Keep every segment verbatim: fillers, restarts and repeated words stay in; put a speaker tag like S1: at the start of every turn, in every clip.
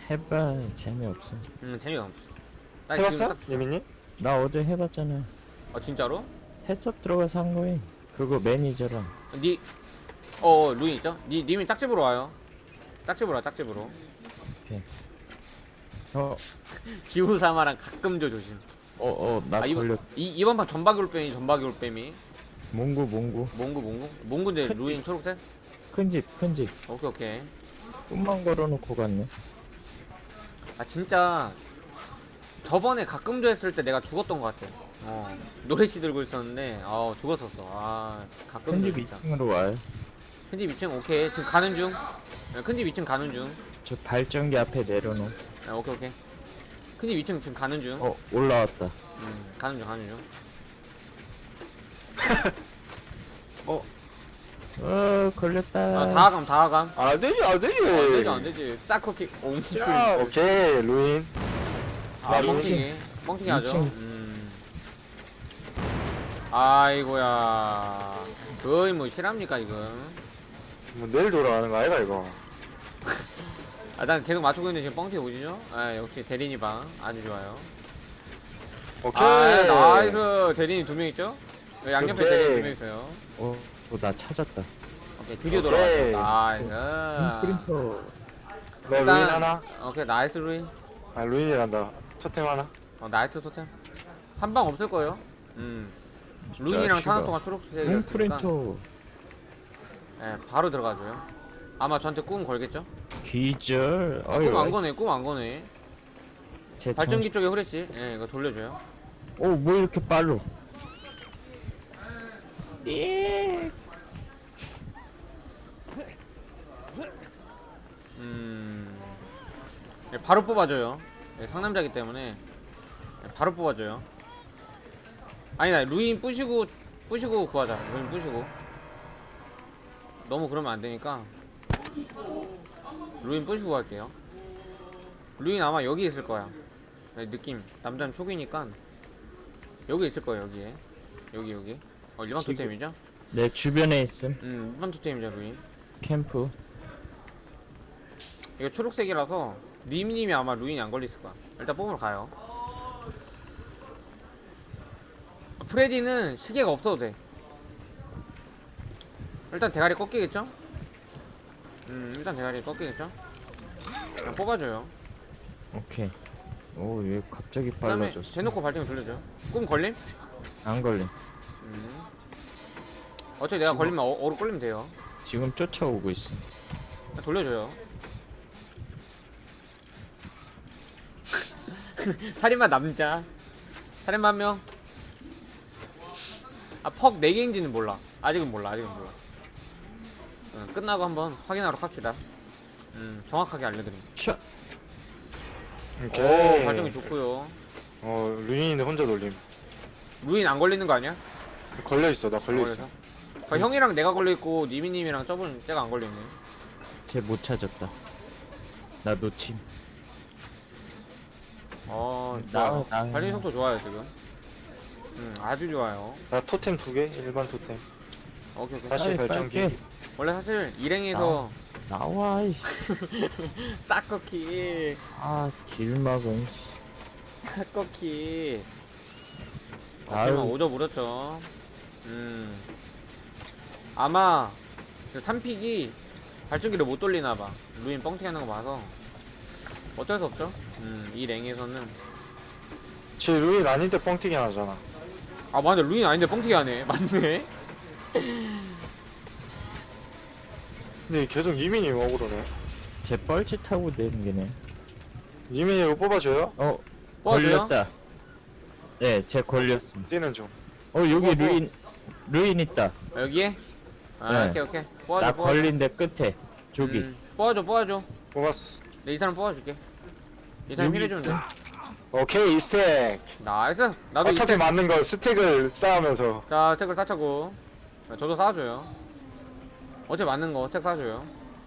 S1: 해봐 재미없어.
S2: 음 재미가 없어. 나 지금
S3: 해봤어?
S2: 딱-
S3: 예민님?
S1: 나 어제 해봤잖아.
S2: 어 진짜로?
S1: 테스업 들어가서 한 거임. 그거 매니저랑.
S2: 니, 어 루인 있죠? 니 님이 짝집으로 와요. 짝집으로 와 짝집으로.
S1: 어,
S2: 지우사마랑 가끔 줘 조심.
S1: 어, 어, 나
S2: 아 이번
S1: 걸렸.
S2: 이 이번 판 전박이 올빼미 전박이 올빼미.
S1: 몽구, 몽구.
S2: 몽구 몽구 몽구인데
S1: 큰-
S2: 루인 초록색?
S1: 큰 집, 큰 집.
S2: 오케이 오케이.
S1: 꿈만 걸어놓고 갔네.
S2: 아 진짜 저번에 가끔 줘 했을 때 내가 죽었던 것 같아. 어 노래씨 들고 있었는데 아 죽었었어. 아 가끔
S1: 큰
S2: 줘
S1: 집
S2: 진짜.
S1: 이 층으로 와요.
S2: 큰집 이 층 오케이 지금 가는 중. 큰집 이 층 가는 중.
S1: 저 발전기 앞에 내려놓.
S2: 아, 오케이 오케이. 큰집 이 층 지금 가는 중.
S1: 어, 올라왔다.
S2: 음 가는 중 가는 중.
S1: 어, 어, 걸렸다.
S2: 아 다가감 다가감.
S3: 안 되지, 안 되지.
S2: 어, 안 되지 안 되지. 사커킥 옹크.
S1: 자,
S3: 오케이, 루인.
S2: 아
S3: 나
S2: 뻥튀기 뻥튀기 하죠.
S1: 이 층.
S2: 음. 아이고야. 거의 뭐 실합니까 지금?
S3: 뭐 내일 돌아가는 거 아이가, 이거?
S2: 아, 난 계속 맞추고 있는데 지금 뻥튀기 오시죠? 아, 역시 대리니 방 아주 좋아요.
S3: 오케이.
S2: 아, 나이스. 대리니 두 명 있죠? 여기 양옆에
S3: 오케이.
S2: 대리니 두 명 있어요.
S1: 어, 어, 나 찾았다.
S2: 오케이, 드디어
S3: 오케이.
S2: 돌아왔다.
S1: 음,
S2: 나이스.
S1: 프린터.
S3: 너
S2: 일단-
S3: 루인 하나?
S2: 오케이, 나이스 루인.
S3: 아, 루인이란다. 토템 하나?
S2: 어, 나이스 토템. 한 방 없을 거예요. 음. 루인이랑
S1: 자식아.
S2: 타는 동안
S1: 응,
S2: 초록색이었으니까.
S1: 프린터.
S2: 예, 바로 들어가줘요. 아마 저한테 꿈 걸겠죠?
S1: 기절.
S2: 아, 꿈 안 거네, 꿈 안 거네.
S1: 제
S2: 발전기 쪽에 후레쉬. 예, 이거 돌려줘요.
S1: 오, 뭐 이렇게 빨로? 예.
S2: 음. 예, 바로 뽑아줘요. 예, 상남자기 때문에 예, 바로 뽑아줘요. 아니다, 루인 부시고 부시고 구하자. 루인 부시고. 너무 그러면 안 되니까 루인 부시고 갈게요. 루인 아마 여기 있을 거야. 네, 느낌. 남자는 초기니까 여기 있을 거예요. 여기에. 여기 여기. 어 일반
S1: 지금-
S2: 토템이죠?
S1: 내 주변에 있음.
S2: 음 일반 토템이죠 루인.
S1: 캠프.
S2: 이거 초록색이라서 님님이 아마 루인이 안 걸렸을 거야. 일단 뽑으러 가요. 프레디는 시계가 없어도 돼. 일단 대가리 꺾이겠죠? 음 일단 대가리 꺾이겠죠? 그냥 뽑아줘요.
S1: 오케이. 오, 왜 갑자기
S2: 그 다음에
S1: 빨라졌어?
S2: 대놓고 발등을 돌려줘요. 꿈 걸림?
S1: 안 걸림.
S2: 음. 어차피 내가
S1: 지금-
S2: 걸리면 어, 어로 걸리면 돼요.
S1: 지금 쫓아오고 있어.
S2: 그냥 돌려줘요. 살인마 남자. 살인마 한 명. 아, 퍽 네 개인지는 몰라. 아직은 몰라. 아직은 몰라. 응, 끝나고 한번 확인하러 갑시다. 음, 정확하게 알려드림.
S1: 차.
S3: 오케이.
S2: 오, 발전기 좋고요.
S3: 어, 루인인데 혼자 돌림.
S2: 루인 안 걸리는 거 아니야?
S3: 걸려있어, 나 걸려있어.
S2: 걸려서? 그 형이랑 내가 걸려있고 니미님이랑 저분 쟤가 안 걸려있네.
S1: 쟤 못 찾았다. 나 놓침.
S2: 어,
S1: 나-
S2: 좋아요.
S1: 나-
S2: 발전기 속도 좋아요 지금. 음, 아주 좋아요.
S3: 나 토템 두 개? 일반 토템.
S2: 오케이 오케이.
S3: 다시
S1: 빨리,
S3: 발전기.
S1: 빨리.
S2: 원래 사실 일행에서
S1: 나와 이씨.
S2: 싹꺼키
S1: 아, 길막은.
S2: 싹꺼키
S1: 아유.
S2: 어쩌면 오져 물었죠. 음 아마 그 삼픽이 발전기를 못 돌리나봐. 루인 뻥튀기 하는 거 봐서 어쩔 수 없죠. 음이 랭에서는
S3: 쟤 루인 아닌데 뻥튀기 하나잖아.
S2: 아 맞네, 루인 아닌데 뻥튀기 하네. 맞네.
S3: 근데 계속 이민이 억울하네.
S1: 쟤 뻘짓하고 내리네.
S3: 이민이 이거 뽑아줘요?
S1: 어,
S2: 뽑아줘요?
S1: 걸렸다. 네, 쟤 걸렸음.
S3: 뛰는 중.
S1: 어, 여기
S2: 뭐, 뭐.
S1: 루인, 루인 있다.
S2: 여기에? 아
S1: 네.
S2: 오케이 오케이. 뽑아줘
S1: 나
S2: 뽑아줘.
S1: 걸린 데 끝에. 저기.
S2: 음, 뽑아줘 뽑아줘.
S3: 뽑았어.
S2: 내 이 사람 뽑아줄게. 이 사람
S1: 여기
S2: 힐해주면 돼.
S3: 오케이, 이 스택.
S2: 나이스. 나도
S3: 어차피
S2: 이스택.
S3: 맞는 거 스택을 쌓으면서.
S2: 자, 스택을 쌓자고. 저도 쌓아줘요. 어제 맞는 거 스택 쌓아줘요.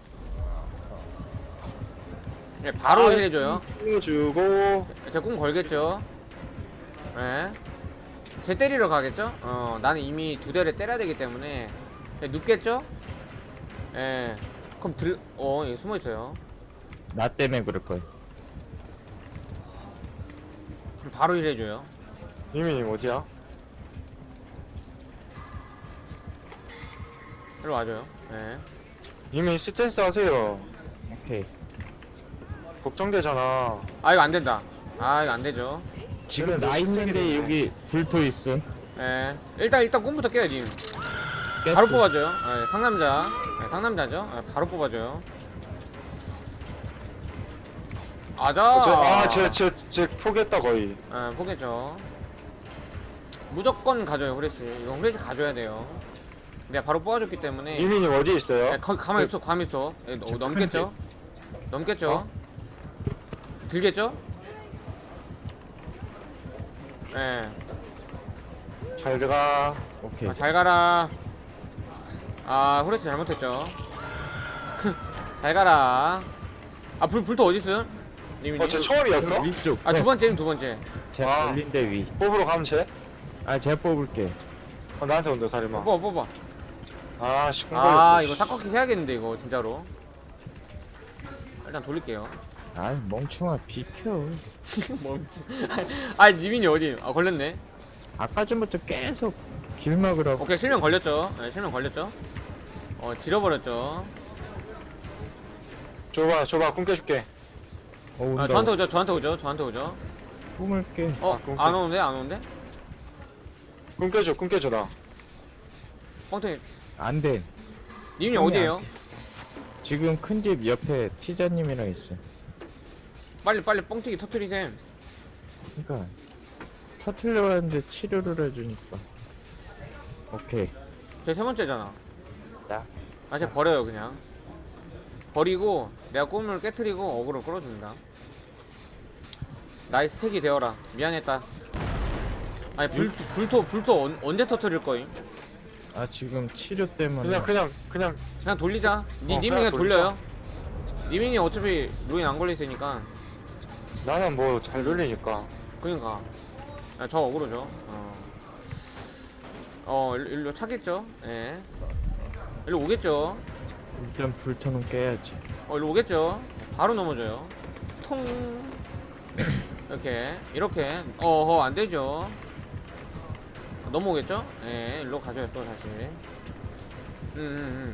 S2: 예, 바로
S3: 아,
S2: 힐해줘요.
S3: 띄워주고.
S2: 제 꿈 걸겠죠. 예. 제 때리러 가겠죠? 어, 나는 이미 두 대를 때려야 되기 때문에. 예, 눕겠죠? 예. 그럼 들, 어, 예, 숨어있어요.
S1: 나 때문에 그럴 거야.
S2: 바로 힐해줘요.
S3: 유민님 어디야?
S2: 일로 와줘요. 네.
S3: 유민 스탠스 하세요.
S1: 오케이.
S3: 걱정되잖아.
S2: 아 이거 안 된다. 아 이거 안 되죠.
S1: 지금 나 있는데 여기 불토 있음.
S2: 예. 일단 일단 꿈부터 깨요 님.
S1: 깼어.
S2: 바로 뽑아줘요. 예, 상남자. 예, 상남자죠. 예, 바로 뽑아줘요. 아자.
S3: 어, 저, 아, 제, 제, 제 포기했다, 거의.
S2: 예, 포겠죠. 무조건 가져요 후레쉬. 이건 후레쉬 가져야 돼요. 내가 바로 뽑아줬기 때문에.
S3: 유민님 어디 있어요?
S2: 예, 거, 가만히 있어. 가만히 있어. 예, 어, 넘겠죠? 넘겠죠?
S3: 어?
S2: 들겠죠? 예.
S3: 잘 들어가.
S1: 오케이.
S2: 아, 잘 가라. 아, 후레쉬 잘못했죠. 잘 가라. 아, 불, 불토 어딨어요? 님이
S3: 어, 제 처음이었어?
S1: 위쪽.
S2: 아, 두 번째는 두 번째.
S1: 제
S3: 아.
S1: 걸린데 위.
S3: 뽑으러 가면 돼?
S1: 아, 제가 뽑을게.
S3: 어, 나한테 온다, 살인마.
S2: 뽑아, 뽑아.
S3: 아, 씨,
S2: 아,
S3: 콩걸렸어.
S2: 이거 삭꺾기 해야겠는데, 이거, 진짜로. 일단 돌릴게요.
S1: 아, 멍청아 비켜.
S2: 멈추. 아, 니민이 어디? 아, 걸렸네.
S1: 아까 전부터 계속 길 막으라고.
S2: 오케이, 실명 걸렸죠. 네, 실명 걸렸죠. 어, 지려버렸죠.
S3: 줘봐, 줘봐, 꿈 깨줄게.
S1: 어, 온다.
S2: 아, 저한테 오죠, 저한테 오죠, 저한테 오죠.
S1: 꿈을게.
S2: 어,
S3: 아, 그럼
S2: 안 오는데, 안 오는데?
S3: 꿈 깨줘, 꿈 깨줘, 나.
S2: 뻥튀기.
S1: 안 돼.
S2: 님이
S1: 꿈이
S2: 어디에요?
S1: 안 돼. 지금 큰 집 옆에 피자님이랑 있어.
S2: 빨리, 빨리 뻥튀기 터트리셈.
S1: 그러니까 터틀려 하는데 치료를 해주니까. 오케이.
S2: 제 세 번째잖아.
S1: 나.
S2: 아, 쟤 버려요, 그냥. 버리고, 내가 꿈을 깨트리고 어그로 끌어줍니다. 나의 스택이 되어라. 미안했다. 아니, 불, 불토, 불토 언, 언제 터트릴 거임?
S1: 아 지금 치료 때문에.
S3: 그냥, 그냥, 그냥.
S2: 그냥 돌리자. 니,
S3: 어,
S2: 님이
S3: 그냥
S2: 그냥 돌려요. 니민이 어차피 루인 안 걸려있으니까.
S3: 나는 뭐 잘 돌리니까.
S2: 그니까. 아, 저 어그로죠. 어, 어 일로, 일로 차겠죠? 예. 일로 오겠죠?
S1: 일단 불토는 깨야지.
S2: 어, 일로 오겠죠? 바로 넘어져요. 통. 이렇게, 이렇게. 어허, 안 되죠? 넘어오겠죠? 예, 일로 가져요, 또 다시. 음, 음, 음.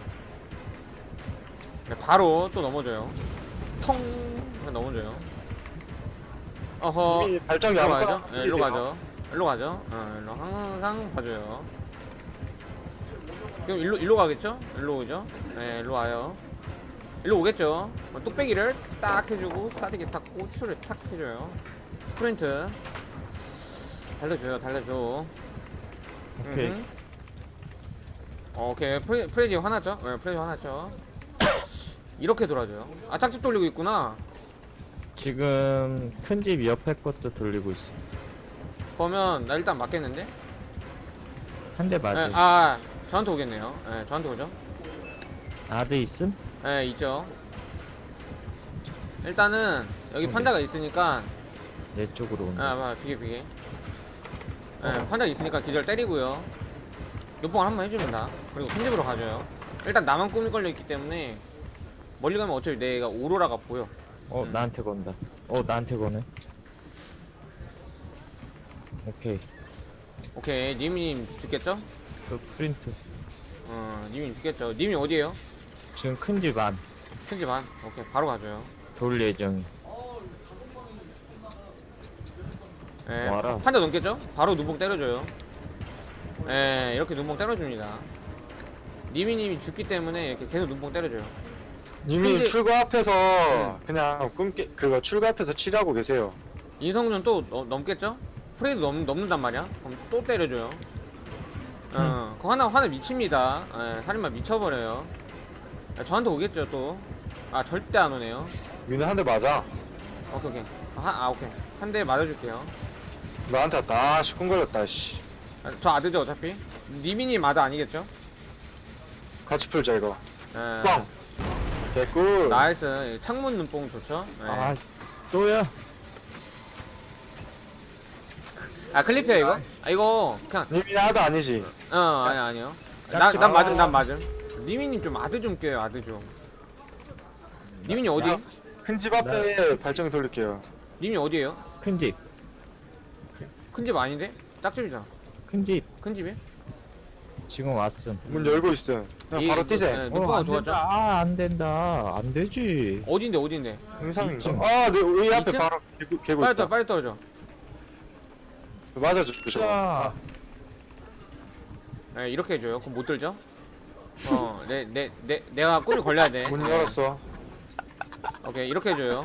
S2: 네, 바로 또 넘어져요. 통. 넘어져요. 어허.
S3: 이미 발전기
S2: 일로
S3: 아무거나
S2: 가죠? 예, 일로 가죠. 일로 가죠. 어, 일로 항상 봐줘요. 그럼 일로, 일로 가겠죠? 일로 오죠? 네, 일로 와요. 일로 오겠죠? 어, 뚝배기를 딱 해주고, 싸대기 탁 고추를 탁 해줘요. 스프린트. 달려줘요, 달려줘.
S1: 오케이.
S2: 음흠. 어, 오케이. 프레, 프레디 화났죠? 네, 프레디 화났죠? 이렇게 돌아줘요. 아, 짝집 돌리고 있구나.
S1: 지금 큰 집 옆에 것도 돌리고 있어.
S2: 그러면 나 일단 맞겠는데?
S1: 한 대 맞아.
S2: 네, 아, 저한테 오겠네요. 네, 저한테 오죠?
S1: 아드 있음?
S2: 네, 있죠. 일단은 여기
S1: 오케이.
S2: 판다가 있으니까
S1: 내 쪽으로 온다.
S2: 아, 봐, 비계 비계. 네, 판다가 있으니까 기절 때리고요. 눈뽕을 한번 해줍니다. 그리고 큰 집으로 가줘요. 일단 나만 꿈이 걸려 있기 때문에 멀리 가면 어차피 내가 오로라가 보여.
S1: 어
S2: 음.
S1: 나한테 건다. 어 나한테 거네. 오케이.
S2: 오케이, 님님 죽겠죠?
S1: 또 프린트.
S2: 어, 님이 죽겠죠. 님이 어디에요?
S1: 지금 큰 집 안.
S2: 큰 집 안. 오케이, 바로 가줘요.
S1: 돌 예정.
S2: 예,
S1: 와라.
S2: 판다 넘겠죠? 바로 눈뽕 때려줘요. 예, 이렇게 눈뽕 때려줍니다. 니미님이 죽기 때문에 이렇게 계속 눈뽕 때려줘요.
S3: 이미
S2: 근데-
S3: 출구 앞에서
S2: 네.
S3: 그냥 꿈 깨, 그거 출구 앞에서 치료하고 계세요.
S2: 인성준 또 어, 넘겠죠? 프레이도 넘, 넘는단 말이야? 그럼 또 때려줘요. 어, 그거 하나, 하나 미칩니다. 예, 살인마 미쳐버려요. 예, 저한테 오겠죠, 또. 아, 절대 안 오네요.
S3: 유는 한 대 맞아.
S2: 오케이, 오케이. 아, 아 오케이. 한 대 맞아줄게요.
S3: 나한테 왔다. 아, 씨, 꿈 걸렸다, 씨.
S2: 아, 저 아드죠, 어차피? 니미님 아드 아니겠죠?
S3: 같이 풀자, 이거.
S2: 예.
S3: 뻥! 개꿀.
S2: 나이스. 창문 눈뽕 좋죠? 예.
S1: 아 또야.
S2: 아 클립이야 이거? 아 이거 그냥
S3: 님이 나도 아니지.
S2: 어 아니 아니요. 난
S1: 짝지
S2: 난
S1: 마.
S2: 맞음 난 맞음. 니미님 좀 아드 좀 껴요 아드 좀. 니미님 어디?
S3: 큰 집 앞에 발전기 돌릴게요.
S2: 님이 어디에요?
S1: 큰 집.
S2: 큰 집 아닌데? 짝집이잖아.
S1: 큰 집
S2: 큰 집이?
S1: 지금 왔음.
S3: 문 열고 있음. 그냥 바로 뛰세.
S2: 네,
S1: 어,
S2: 눈뽕아
S1: 안
S2: 좋았죠?
S1: 된다. 아, 안 된다. 안 되지.
S2: 어딘데 어딘데?
S3: 의상인가?
S1: 이층.
S3: 아, 내 앞에
S2: 이층?
S3: 바로 개구, 개구
S2: 빨리
S3: 있다.
S2: 떨어 빨리 떨어져.
S3: 맞아줘, 저거.
S1: 자,
S2: 네, 이렇게 해줘요. 그럼 못 들죠? 어, 내, 내, 내, 내가 꿀이 걸려야 돼.
S3: 문
S2: 네.
S3: 열었어.
S2: 오케이, 이렇게 해줘요.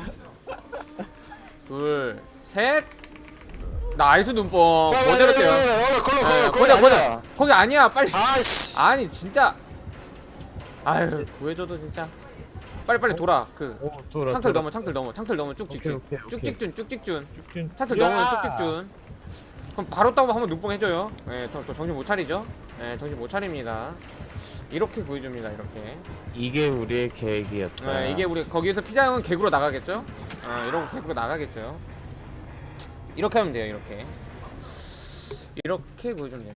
S2: 둘, 셋. 나이스 눈뽕. 그대로 뛰어.
S3: 어, 걸러,
S2: 네,
S3: 걸러,
S2: 거기,
S3: 걸러.
S2: 거기, 거기 아니야. 빨리.
S3: 아이씨.
S2: 아니, 진짜. 아유, 구해줘도 진짜. 빨리, 빨리 돌아. 그,
S1: 오, 돌아.
S2: 창틀
S1: 돌아.
S2: 넘어, 창틀 넘어, 창틀 넘어. 쭉
S1: 오케이,
S2: 직준.
S1: 오케이,
S2: 쭉
S1: 오케이.
S2: 직준, 쭉 직준.
S1: 직진.
S2: 창틀
S1: 야!
S2: 넘으면 쭉 직준. 그럼 바로 따고 한번 눈뽕 해줘요. 예, 또, 또 정신 못 차리죠? 예, 정신 못 차립니다. 이렇게 구해줍니다, 이렇게.
S1: 이게 우리의 계획이었다.
S2: 예, 이게 우리 거기에서 피자형은 개구로 나가겠죠? 아, 이런 거 개구로 나가겠죠? 이렇게 하면 돼요, 이렇게. 이렇게 구해주면 돼요.